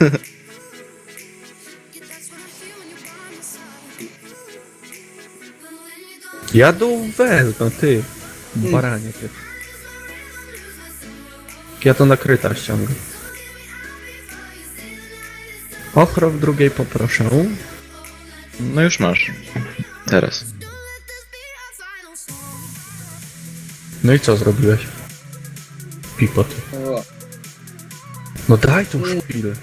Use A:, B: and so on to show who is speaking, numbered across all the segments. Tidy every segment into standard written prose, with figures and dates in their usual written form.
A: Ja dół wezmę, ty. Baranie ty. Ja to nakryta ściągam. Ochro w drugiej poproszę.
B: No już masz. Teraz.
A: No i co zrobiłeś? Pipot.
C: O,
A: No daj tu szpilę.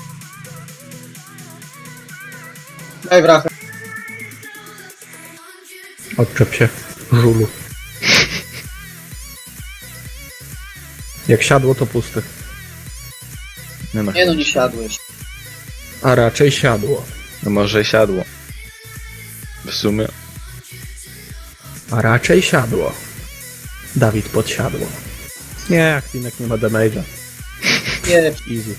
C: daj wrachę.
A: Odczep się, żulu. Jak siadło, to puste.
B: Nie no,
C: Nie no, nie siadłeś.
A: A raczej siadło.
B: no może siadło. W sumie.
A: A raczej siadło. Dawid podsiadło. Nie, Akwinek nie ma damage'a.
C: Nie,
A: Easy.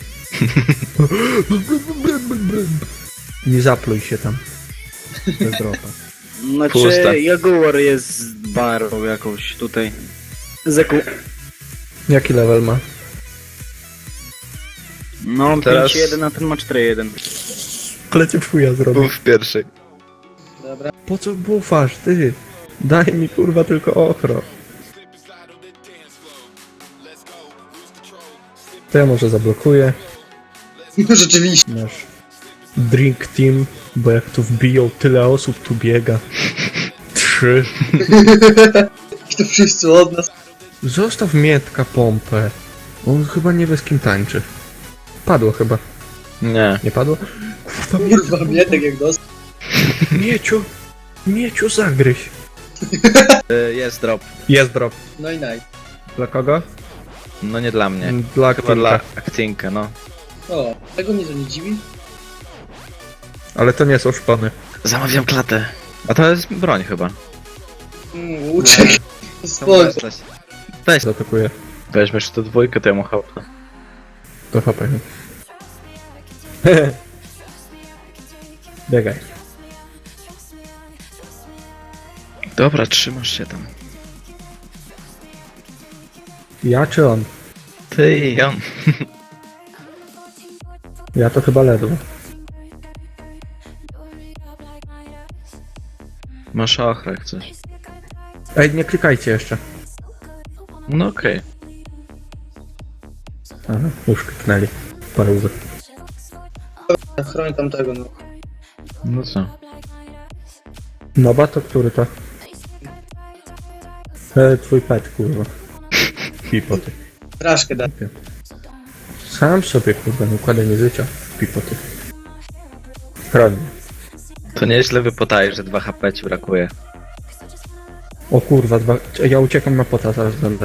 A: Nie zapluj się tam. Bez dropa.
D: Znaczy,
B: Pusta.
D: Jaguar jest z barą jakąś tutaj. Zeku.
A: Jaki level ma?
D: No,
B: Teraz-
D: 5-1, a ten ma 4-1.
A: Klecie w chuja zrobił.
B: Był w pierwszej.
C: dobra.
A: Po co bufasz, ty? Daj mi kurwa tylko ochro. To ja może zablokuję.
C: Rzeczywiście.
A: Nasz drink team, bo jak tu wbiją, tyle osób tu biega. 3.
C: I to wszyscy od nas.
A: Zostaw Mietka pompę. On chyba nie wie z kim tańczy. Padło chyba.
B: Nie.
A: Nie padło?
C: Kurwa, Mietek jak dostał.
A: Mieciu! Mieciu, zagryź.
B: Jest drop.
A: Jest drop.
C: No i naj.
A: Dla kogo?
B: No nie dla mnie.
A: Dla
B: Chyba dla
A: Aktinka.
B: Aktinka, no.
C: O, tego mnie to nie dziwi.
A: Ale to nie są szpony.
B: Zamawiam klatę. A to jest broń chyba.
C: Uciekł. Spoko.
B: Weź.
A: Zaatakuję.
B: Weźmiesz tę dwójkę, to ja mu chałupę.
A: To HP. Biegaj.
B: Dobra, trzymasz się tam.
A: Ja czy on?
B: Ty i on.
A: Ja to chyba ledwo.
B: Masz ochrę jak coś.
A: Ej, nie klikajcie jeszcze.
B: No okej.
A: Aha, już kliknęli. Parówy.
C: Chroń tamtego, no.
B: No co?
A: Noba to który to? Twój pet, kurwa. Pipoty.
C: Straszkę da.
A: Sam sobie, kurwa, nie układaj mi życia. Pipoty. Chroń mnie.
B: To nieźle wypotajesz, że 2 HP ci brakuje.
A: O kurwa, ja uciekam na pota, zaraz będę.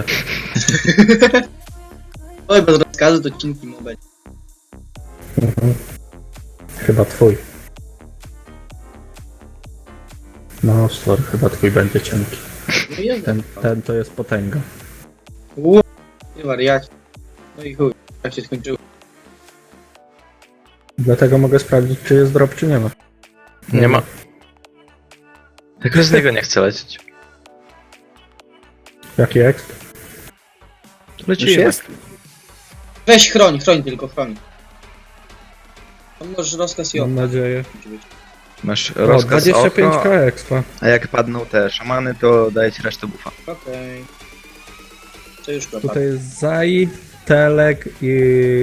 C: Oj, bez rozkazu to cinki mu będzie.
A: Chyba twój. No, stwór, chyba twój będzie cienki.
C: No i jeden.
A: Ten to jest potęga.
C: Nie wariacie. No i chuj, jak się skończyło.
A: Dlatego mogę sprawdzić, czy jest drop, czy nie ma.
B: Nie ma. Tylko z niego nie chcę lecieć.
A: Jaki exp?
B: Lecimy.
D: Już jest?
C: Weź chroń tylko chroń. To możesz rozkaz i
A: Mam nadzieję.
B: Masz
A: O,
B: rozkaz
A: 25k
B: oko,
A: expa.
B: a jak padną te szamany, to daję ci resztę bufa.
C: Okej. Co już go
A: Tutaj jest Zai, Telek i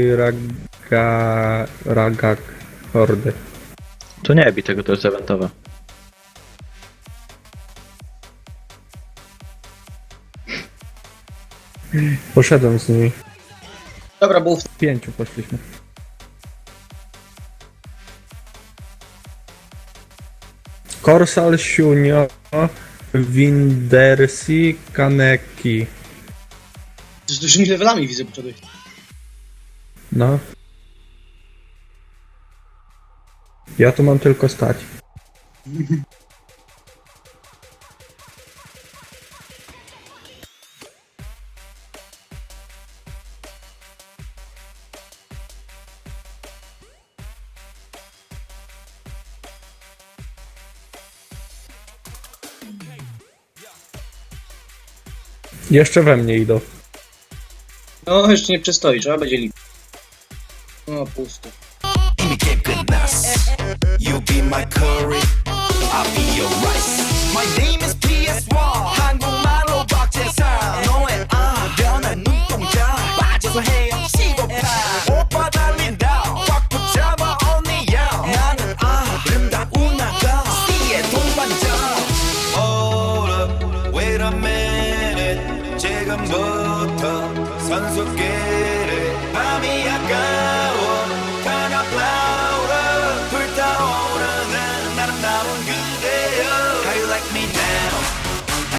A: Ragak Hordy.
B: To nie bij tego, to jest eventowe.
A: Poszedłem z nimi.
C: Dobra, był
A: 5 poszliśmy. Korsal, Siunio, Windersi, Kaneki.
C: z dużymi levelami widzę początek.
A: No. Ja tu mam tylko stać. Jeszcze we mnie idą.
C: No, jeszcze nie przystoi, trzeba będzie liczyć. No, pusto.
E: 힘이 끝났어. You be my curry, I'll be your rice. My name is PS1. 한국